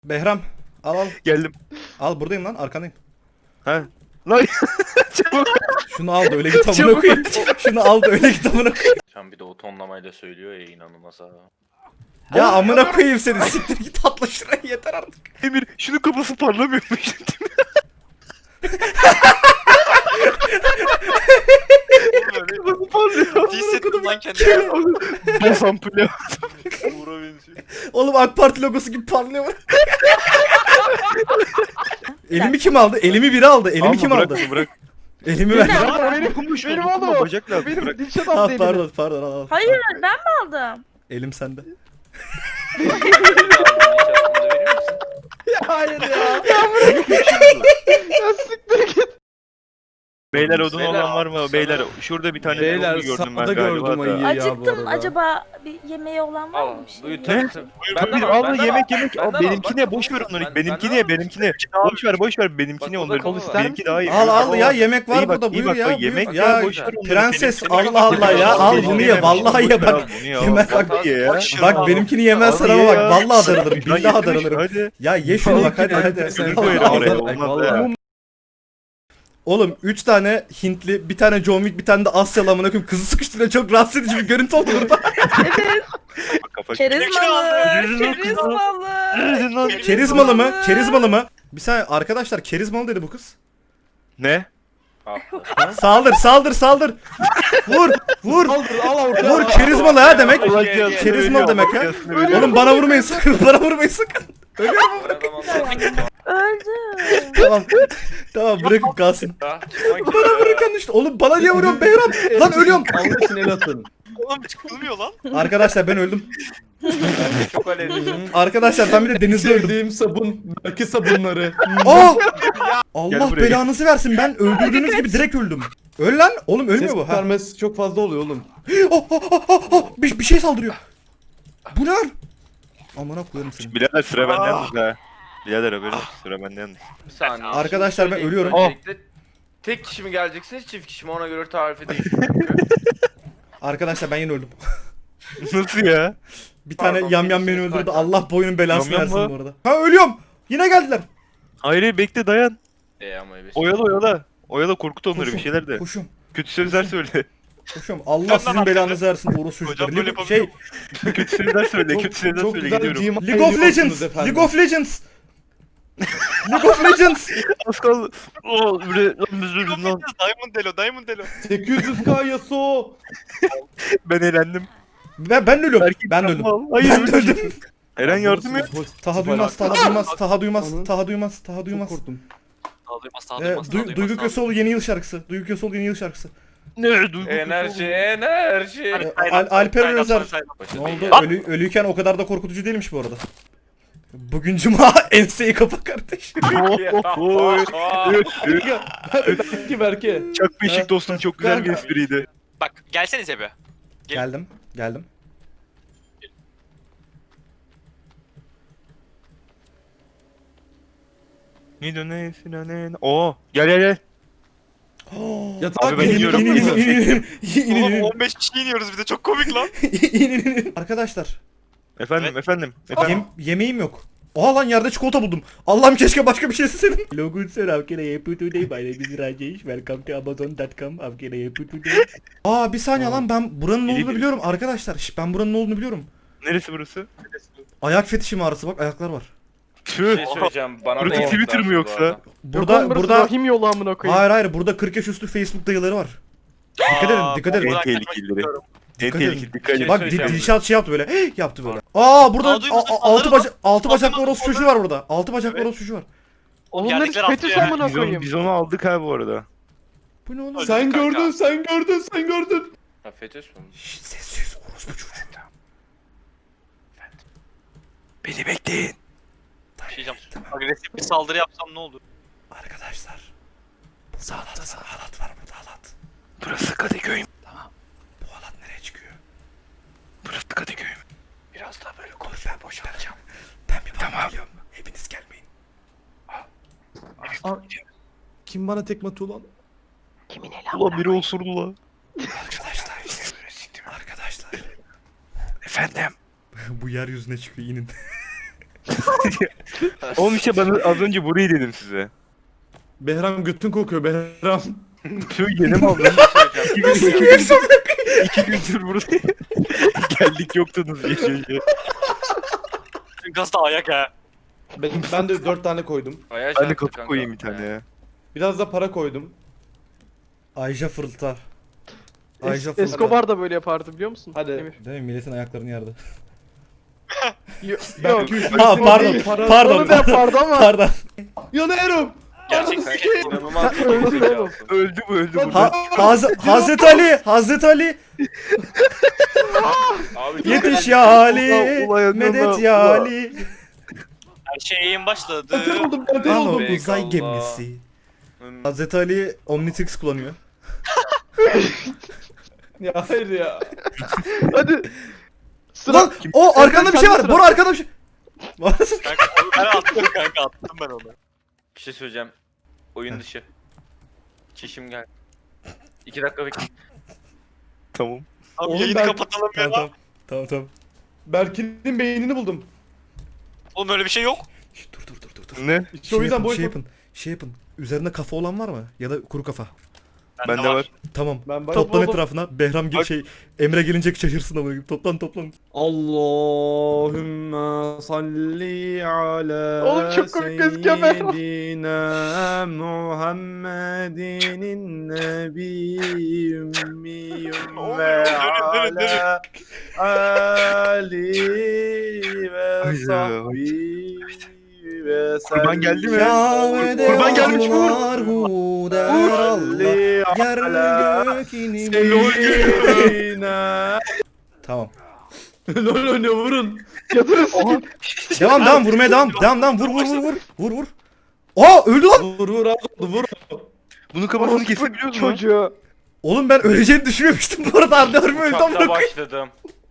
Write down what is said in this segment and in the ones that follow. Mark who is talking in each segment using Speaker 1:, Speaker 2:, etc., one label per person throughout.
Speaker 1: Behram al.
Speaker 2: Geldim.
Speaker 1: Al buradayım lan arkandayım.
Speaker 2: Ha. Lan çabuk.
Speaker 1: Şunu al da öyle git amına koyayım. Şunu al da öyle git amına koyayım.
Speaker 3: Sen bir de o tonlamayla söylüyor ya inanılmaz ha.
Speaker 1: Ya amına koyayım seni. Siktir git atla şuraya yeter artık.
Speaker 2: Emir şunun kafası parlamıyormuş. Kafası parlıyor.
Speaker 3: Hissettim lan kendimi.
Speaker 2: Bas ampulü.
Speaker 3: Uğur'a benziyor.
Speaker 1: Oğlum AK Parti logosu gibi parlıyor. Elimi kim aldı? Elimi biri aldı. Elimi kim aldı?
Speaker 2: Bırak.
Speaker 1: Elimi ver.
Speaker 2: Benim oğlum. Bacak lazım.
Speaker 4: Benim
Speaker 2: Bırak.
Speaker 4: Dilşat
Speaker 1: Al
Speaker 4: abla elimi.
Speaker 1: pardon al.
Speaker 5: Hayır ben mi aldım?
Speaker 1: Elim sende.
Speaker 4: Hayır ya. Ya siktir git.
Speaker 2: Beyler odun
Speaker 3: Beyler,
Speaker 2: olan var mı? Beyler şurada bir tane
Speaker 4: Beyler,
Speaker 2: odun gördüm ben
Speaker 4: sağda
Speaker 2: galiba
Speaker 4: gördüm
Speaker 2: da.
Speaker 4: ayıyı. Ya bu
Speaker 5: Acıktım.
Speaker 4: arada.
Speaker 5: Acaba bir yemeği olan var
Speaker 3: Al.
Speaker 5: mı bir şey?
Speaker 3: Buyur
Speaker 2: Ne?
Speaker 3: tabii tabii.
Speaker 2: Tabii
Speaker 3: al,
Speaker 2: al yemek yemek. Al
Speaker 3: benden al.
Speaker 2: benimkine
Speaker 3: Bak,
Speaker 2: boş ver
Speaker 3: bak,
Speaker 2: onları.
Speaker 3: ben-
Speaker 2: Benimkine
Speaker 3: benden al.
Speaker 2: benimkine. Boş ver benimkine
Speaker 3: Bak,
Speaker 2: onları.
Speaker 3: kol
Speaker 4: ister
Speaker 2: Benimki daha iyi.
Speaker 1: Al ya yemek var
Speaker 2: İyi bak,
Speaker 1: burada
Speaker 2: iyi
Speaker 1: buyur
Speaker 2: bak,
Speaker 1: ya.
Speaker 2: bak,
Speaker 1: buyur.
Speaker 2: yemek
Speaker 1: ya
Speaker 2: var, boş ver onları.
Speaker 1: prenses
Speaker 2: Benim-
Speaker 1: Allah Allah ya al
Speaker 2: Benimkine
Speaker 1: bunu ye
Speaker 2: boş
Speaker 1: vallahi
Speaker 2: ver,
Speaker 1: ye bak.
Speaker 2: bunu ye, al.
Speaker 1: Yemez bak.
Speaker 2: Vallahi ye ya.
Speaker 1: Bak benimkini yemezsen ama bak vallahi darılırım.
Speaker 2: Lan
Speaker 1: Billahi
Speaker 2: yemiş,
Speaker 1: darılırım.
Speaker 2: Hadi.
Speaker 1: Ya ye şunu bak hadi hadi.
Speaker 2: Öbür
Speaker 1: Allah
Speaker 2: koyarım
Speaker 1: Allah.
Speaker 2: oraya olmaz ya.
Speaker 1: Oğlum 3 tane Hintli, bir tane John Wick, bir tane de Asyalı amına koyayım kızı sıkıştırıyor çok rahatsız edici bir görüntü oldu burada.
Speaker 2: Kafa
Speaker 5: Kerizmalı.
Speaker 2: Kerizmalı.
Speaker 5: Kerizmalı.
Speaker 1: Kerizmalı mı? Kerizmalı mı? Bir saniye arkadaşlar kerizmalı dedi bu kız.
Speaker 2: Ne?
Speaker 1: Saldır. Vur.
Speaker 4: Saldır al ortaya.
Speaker 1: Vur kerizmalı ha demek.
Speaker 2: Ulan
Speaker 1: Kerizmalı demek ha.
Speaker 2: Ölüyor.
Speaker 1: Oğlum bana vurmayın sakın. Bana vurmayın sakın.
Speaker 5: Öldü.
Speaker 1: Tamam bırakın kalsın.
Speaker 3: Bana
Speaker 1: Bana bırakın işte. Oğlum bana niye vuruyorsun Behram? Lan ölüyorum.
Speaker 4: Allah için el atın.
Speaker 3: Oğlum çıkılmıyor lan.
Speaker 1: Arkadaşlar ben öldüm.
Speaker 3: Çok alevli.
Speaker 1: Arkadaşlar ben bir de denizde öldüm.
Speaker 4: Sevdiğim sabun. Belki sabunları.
Speaker 1: Aa!
Speaker 2: Gel
Speaker 1: Allah
Speaker 2: buraya.
Speaker 1: belanızı versin. Ben öldürdüğünüz gibi direkt öldüm. Öl lan. Oğlum ölmüyor
Speaker 4: Ses
Speaker 1: bu. Ha.
Speaker 4: vermesi çok fazla oluyor oğlum.
Speaker 1: Bir şey saldırıyor. Bu ne lan? Amına koyarım seni.
Speaker 2: Birader sıra benden yalnız ha. Birader haberin olsun, sıra benden yalnız.
Speaker 3: Bir saniye.
Speaker 1: Arkadaşlar,
Speaker 3: Şimdi
Speaker 1: ben ölüyorum.
Speaker 3: öncelikle tek kişi mi gelecekse çift kişi mi ona göre tarif edeyim.
Speaker 1: Arkadaşlar ben yine öldüm.
Speaker 2: Nasıl ya?
Speaker 1: Bir tane
Speaker 3: Pardon,
Speaker 1: yamyam beni
Speaker 3: birisi
Speaker 1: öldürdü.
Speaker 3: kaç-
Speaker 1: Allah boyunun belasını
Speaker 2: Yamyam
Speaker 1: versin
Speaker 2: mı?
Speaker 1: bu arada. Ha ölüyorum. Yine geldiler.
Speaker 2: Hayır bekle dayan.
Speaker 3: Ama evet.
Speaker 2: Oyala. Oyala korkut onları
Speaker 1: Koşun,
Speaker 2: bir şeyler de.
Speaker 1: Koşum.
Speaker 2: Kötü sözler söyle.
Speaker 1: Allah sizin belanızı versin orospu
Speaker 2: Hocam
Speaker 1: çocukları.
Speaker 2: böyle
Speaker 1: Şey,
Speaker 2: kötü sözler söyle. Kötü sözler
Speaker 4: Çok
Speaker 2: söyle
Speaker 4: güzel
Speaker 2: gidiyorum.
Speaker 4: cima
Speaker 1: League of
Speaker 4: ediyorsunuz
Speaker 1: Legends.
Speaker 4: efendim.
Speaker 1: League of Legends. League of Legends.
Speaker 2: Az kaldı. Oo bre lan üzüldüm lan.
Speaker 3: Diamond Delo.
Speaker 4: 800k Yasuo.
Speaker 2: Ben eğlendim.
Speaker 1: Ben ölüyorum.
Speaker 2: Belki
Speaker 1: Ben de öldüm.
Speaker 2: Hayır
Speaker 1: Ben de öldüm.
Speaker 2: Eren yardım et.
Speaker 1: Taha duymaz, Taha duymaz.
Speaker 4: Çok korktum.
Speaker 1: Duygu Köseoğlu yeni yıl şarkısı. Duygu Köseoğlu yeni yıl şarkısı.
Speaker 2: Ne duygu.
Speaker 3: Enerji.
Speaker 1: Alper Özer. Ne oldu? Ölüyken o kadar da korkutucu değilmiş bu arada. Bugün cuma enseyi kapa kardeş.
Speaker 2: Oy.
Speaker 4: Belki belki.
Speaker 2: Çak beşik dostum çok güzel bir espriydi.
Speaker 6: Bak gelsenize be.
Speaker 1: Geldim.
Speaker 2: Ne dönesin anen. Oo gel.
Speaker 4: Yatak
Speaker 2: Abi ben iniyorum.
Speaker 1: İnin.
Speaker 6: 15 kişi iniyoruz bir de çok komik lan.
Speaker 1: Arkadaşlar,
Speaker 2: Efendim.
Speaker 1: yemeğim yok. Oha lan yerde çikolata buldum. Allah'ım keşke başka bir şey isteseydim. Logun sir, how can I help you today? My name is Rajesh. Welcome to Amazon.com. How can I help you today? Bir saniye lan ben buranın ne olduğunu biliyorum arkadaşlar. Ben buranın ne olduğunu biliyorum.
Speaker 2: Neresi burası?
Speaker 1: Ayak fetişim ağrısı bak ayaklar var.
Speaker 3: Bir
Speaker 2: Tüh.
Speaker 3: şey söyleyeceğim bana.
Speaker 2: Burası
Speaker 3: da
Speaker 2: Twitter mı
Speaker 3: bu
Speaker 2: yoksa?
Speaker 3: arada.
Speaker 1: Burada
Speaker 4: Rahim yolu amına koyayım.
Speaker 1: hayır burada 40 yaş üstü Facebook dayıları var. Dikkat edin.
Speaker 2: En tehlikelileri. En
Speaker 1: Dikkat edin.
Speaker 2: tehlikeli dikkat edin.
Speaker 3: Şey
Speaker 1: Bak
Speaker 3: söyleyeceğim.
Speaker 1: Dilşat şey yaptı böyle. Yaptı böyle. Burada
Speaker 6: Aa, duymuşsun, onları
Speaker 1: altı bacaklı orospu çocuğu var burada. Altı bacaklı
Speaker 6: Evet.
Speaker 1: orospu çocuğu var.
Speaker 4: Onların
Speaker 6: Yerdekiler
Speaker 4: fetüs
Speaker 6: atlıyor
Speaker 4: amına koyayım.
Speaker 2: Biz onu aldık ha bu arada.
Speaker 1: Bu ne oğlum?
Speaker 4: Sen
Speaker 6: Kanka.
Speaker 4: gördün.
Speaker 3: Ha fetüs mü?
Speaker 1: Şşt, sessiz orospu çocuğu.
Speaker 2: Beni bekleyin.
Speaker 6: Bir şey diyeceğim. Agresif bir saldırı yapsam ne olur?
Speaker 1: Arkadaşlar. Halat var burada halat.
Speaker 2: Burası Kadıköy.
Speaker 1: Bu halat nereye çıkıyor?
Speaker 2: Burası Kadıköy.
Speaker 1: Biraz daha böyle konuş ben boşalacağım. Ben bir bakıyorum. Hepiniz gelmeyin.
Speaker 4: Kim bana tekme atıyor lan?
Speaker 2: Ulan biri osurdu lan.
Speaker 1: Arkadaşlar.
Speaker 2: Efendim.
Speaker 1: Bu yeryüzüne çıkıyor inin.
Speaker 2: Oğlum işte ben az önce burayı dedim size.
Speaker 4: Behram götün kokuyor Behram.
Speaker 2: Şu yeni mi aldın?
Speaker 1: Nasıl yiyorsun?
Speaker 2: 2 gündür buradayım. Geldik yoktunuz gece.
Speaker 6: Gaz da ayak ha.
Speaker 4: Ben de 4 tane koydum.
Speaker 3: Ayağa
Speaker 2: Ben de
Speaker 3: çarptı
Speaker 2: kapı
Speaker 3: kanka.
Speaker 2: koyayım bir tane ya.
Speaker 4: Biraz da para koydum.
Speaker 1: Ayşe fırıltar. Ayşe fırıltar.
Speaker 7: Escobar da böyle yapardı biliyor musun?
Speaker 4: Hadi.
Speaker 7: Emir.
Speaker 1: Değil mi? Milletin ayaklarını yardı.
Speaker 7: Yok.
Speaker 1: Ha pardon. Pardon.
Speaker 7: Onu da yapardı ama.
Speaker 1: Pardon.
Speaker 4: Yanıyorum.
Speaker 3: Gerçekten inanılmaz bir
Speaker 7: Öldü
Speaker 3: şey
Speaker 7: oğlum.
Speaker 3: olsun.
Speaker 2: Öldü bu öldü bu.
Speaker 1: Hazreti Ali. Hazreti Ali.
Speaker 3: Abi
Speaker 1: Yetiş ya Ali.
Speaker 2: Ulan yanına,
Speaker 1: Medet ya
Speaker 2: ulan.
Speaker 1: Ali.
Speaker 6: Her şeyin başladı.
Speaker 4: Ben oldum ben
Speaker 1: Ano
Speaker 4: oldum.
Speaker 1: uzay
Speaker 3: Allah.
Speaker 1: gemisi.
Speaker 3: Hmm.
Speaker 1: Hazreti Ali Omnitrix kullanıyor.
Speaker 4: Ya hayır ya.
Speaker 7: Hadi. Sıra.
Speaker 1: Lan o arkanda bir şey var.
Speaker 7: Sıra.
Speaker 1: Bora arkanda bir şey.
Speaker 6: Kanka ben attım kanka attım ben onu.
Speaker 3: Bir şey söyleyeceğim. Oyun dışı. Çişim geldi. 2 dakika bekle.
Speaker 2: Tamam.
Speaker 6: Abi
Speaker 4: Oğlum
Speaker 6: yayını
Speaker 4: ben-
Speaker 6: kapatalım ya.
Speaker 1: Tamam tamam. Tamam.
Speaker 4: Berkin'in beynini buldum.
Speaker 6: Oğlum öyle bir şey yok.
Speaker 1: Şş, dur.
Speaker 2: Ne?
Speaker 4: İşte o yüzden
Speaker 1: yapın,
Speaker 4: boş
Speaker 1: şey yapın. Şey yapın. Üzerinde kafa olan var mı? Ya da kuru kafa.
Speaker 2: Bende var.
Speaker 1: Tamam.
Speaker 4: Ben bak.
Speaker 1: Toplan etrafına. Behram
Speaker 2: Bak.
Speaker 1: Emre gelince şaşırsın ama. Toplan.
Speaker 4: Allahümme salli ala
Speaker 7: Oğlum çok komik gözüküyor Behram.
Speaker 4: seyyidina Muhammedin nebi ümmiyüm ve
Speaker 6: Dönün.
Speaker 4: ala ali ve
Speaker 2: Ay,
Speaker 4: sahbi ve
Speaker 2: Kurban geldi mi?
Speaker 1: Kâbede
Speaker 2: Kurban gelmiş mi?
Speaker 1: var huder Allah. Yer gök inimi.
Speaker 4: seyyidina.
Speaker 1: Tamam.
Speaker 4: Lol oynuyor vurun.
Speaker 7: Yatırırsın.
Speaker 1: Devam vurmaya devam. Vur. Aa öldü lan.
Speaker 4: Vur az oldu vur.
Speaker 2: Bunun kafasını kesebiliyor musun?
Speaker 7: Çocuğu.
Speaker 1: Oğlum ben öleceğini düşünmemiştim bu arada. Arda ölme öldü
Speaker 3: Uçakta
Speaker 1: ama.
Speaker 3: başladım.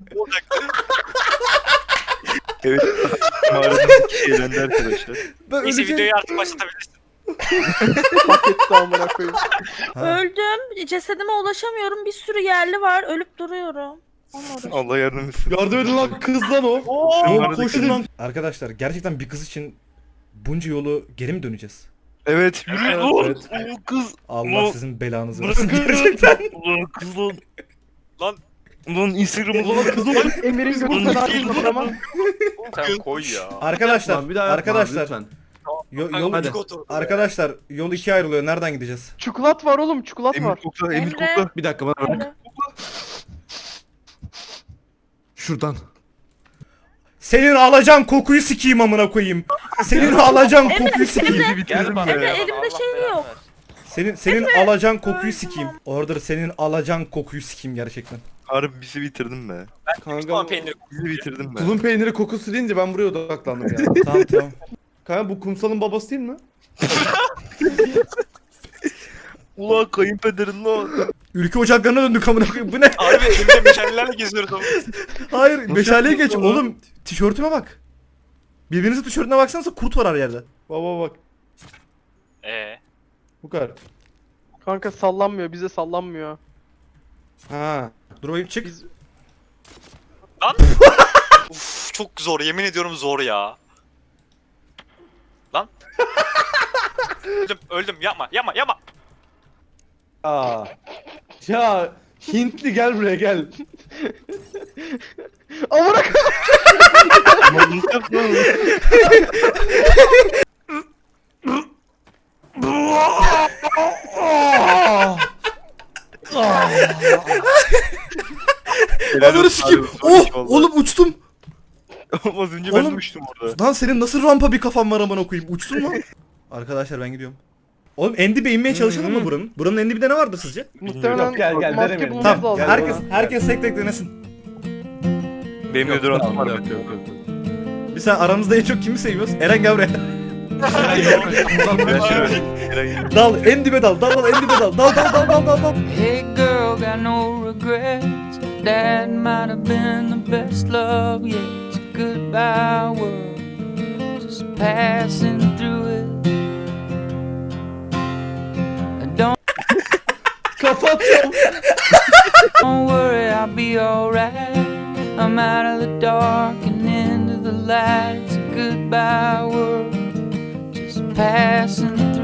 Speaker 2: Evet. Mağaradaki şeylendi arkadaşlar.
Speaker 1: Ben
Speaker 6: Neyse
Speaker 1: öleceğim.
Speaker 6: videoyu artık başlatabilirsin.
Speaker 7: Hak etti amına koyayım.
Speaker 1: Ha.
Speaker 5: Öldüm. Cesedime ulaşamıyorum. Bir sürü yerli var. Ölüp duruyorum. Onunla uğraşıyorum.
Speaker 2: Allah yardım etsin.
Speaker 4: Yardım edin lan kız lan o.
Speaker 1: Oğlum koşun lan. Arkadaşlar gerçekten bir kız için bunca yolu geri mi döneceğiz?
Speaker 2: Evet yürü.
Speaker 4: Evet,
Speaker 2: Oh,
Speaker 4: evet.
Speaker 2: oh, kız.
Speaker 1: Allah
Speaker 2: Ulan,
Speaker 1: sizin belanızı
Speaker 2: bırakın
Speaker 1: versin
Speaker 2: kızı.
Speaker 1: gerçekten.
Speaker 2: Ulan kız lan.
Speaker 6: Lan.
Speaker 2: Ulan Instagram'ı
Speaker 4: Ulan kız oğlum.
Speaker 7: Emir'in götünden ayrılmasın ama.
Speaker 3: Sen koy ya.
Speaker 1: Arkadaşlar,
Speaker 4: Lan bir daha yapma abi,
Speaker 1: arkadaşlar,
Speaker 4: lütfen.
Speaker 1: yol,
Speaker 4: Hadi.
Speaker 1: arkadaşlar yol ikiye ayrılıyor. Nereden gideceğiz?
Speaker 7: Çikolat var oğlum çikolat
Speaker 2: Emir
Speaker 7: var.
Speaker 2: kokla, Emir
Speaker 5: Emre.
Speaker 2: kokla.
Speaker 4: Bir dakika bana bak.
Speaker 5: Öyle.
Speaker 4: Şuradan.
Speaker 1: Senin alacağın kokuyu sikeyim amına koyayım. Senin alacağın kokuyu sikeyim.
Speaker 2: Bizi
Speaker 3: Gel
Speaker 2: bitirdim
Speaker 3: bana.
Speaker 5: Emre,
Speaker 2: ya.
Speaker 3: gel bana,
Speaker 5: elimde
Speaker 3: Allah
Speaker 5: şey
Speaker 3: belanı
Speaker 5: yok.
Speaker 3: versin.
Speaker 1: Senin alacağın kokuyu sikeyim. Order senin alacağın kokuyu sikeyim gerçekten.
Speaker 2: Harbi bizi bitirdim be.
Speaker 6: Tamam
Speaker 4: Kanka
Speaker 6: peynir.
Speaker 2: Bizi bitirdim be.
Speaker 4: tulum peyniri kokusu deyince ben buraya odaklandım ya.
Speaker 1: Tamam.
Speaker 4: Kanka bu kumsalın babası değil mi?
Speaker 2: Ulan kayınpederin lan.
Speaker 1: Ülke ocaklarına döndük amına koyayım. Bu ne?
Speaker 6: Harbi elimde meşalelerle geziyoruz ama.
Speaker 1: Hayır, meşaleye geç.
Speaker 2: yapıyorsun lan?
Speaker 1: Oğlum, tişörtüme bak. Birbirinizin tişörtüne baksanıza kurt var her yerde.
Speaker 4: Baba bak. Bu kadar.
Speaker 7: Kanka sallanmıyor bize sallanmıyor.
Speaker 4: Ha.
Speaker 1: Dur bakayım çık.
Speaker 7: Biz
Speaker 6: Uf çok zor yemin ediyorum zor ya. Lan. öldüm yapma.
Speaker 4: Aa. Ya Hintli gel buraya gel.
Speaker 7: amına
Speaker 2: Ulan nasıl yaptın lan? Helal
Speaker 1: Ananı
Speaker 2: olsun
Speaker 1: sikeyim.
Speaker 2: abi, zor iş
Speaker 1: Oh,
Speaker 2: vallahi.
Speaker 1: oğlum uçtum.
Speaker 2: Az önce ben de
Speaker 1: Oğlum.
Speaker 2: uçtum orada.
Speaker 1: Lan senin nasıl rampa bir kafan var amına koyayım. Uçtun mu? Arkadaşlar ben gidiyorum. Oğlum en dibe inmeye çalışalım mı buranın? Buranın en dibinde ne vardı sizce?
Speaker 7: Muhtemelen
Speaker 4: Yok, gel,
Speaker 7: maske
Speaker 4: denemeyelim.
Speaker 7: bulmamız
Speaker 1: Tamam.
Speaker 7: lazım.
Speaker 1: Herkes tek denesin.
Speaker 2: Benim de durantım var.
Speaker 4: Yok.
Speaker 1: Bir sen aramızda en çok kimi seviyoruz? Eren gel buraya.
Speaker 2: Ben şöyle. Eren-
Speaker 1: Dal en dibe dal. Dal en dibe dal. Dal.
Speaker 8: Hey girl, got no regrets. That might have been the best love yet. It's a goodbye world, just passing through it.
Speaker 4: Kapatıyorum.
Speaker 8: Don't worry, I'll be alright. I'm out of the dark and into the light. It's a goodbye world, just passing through.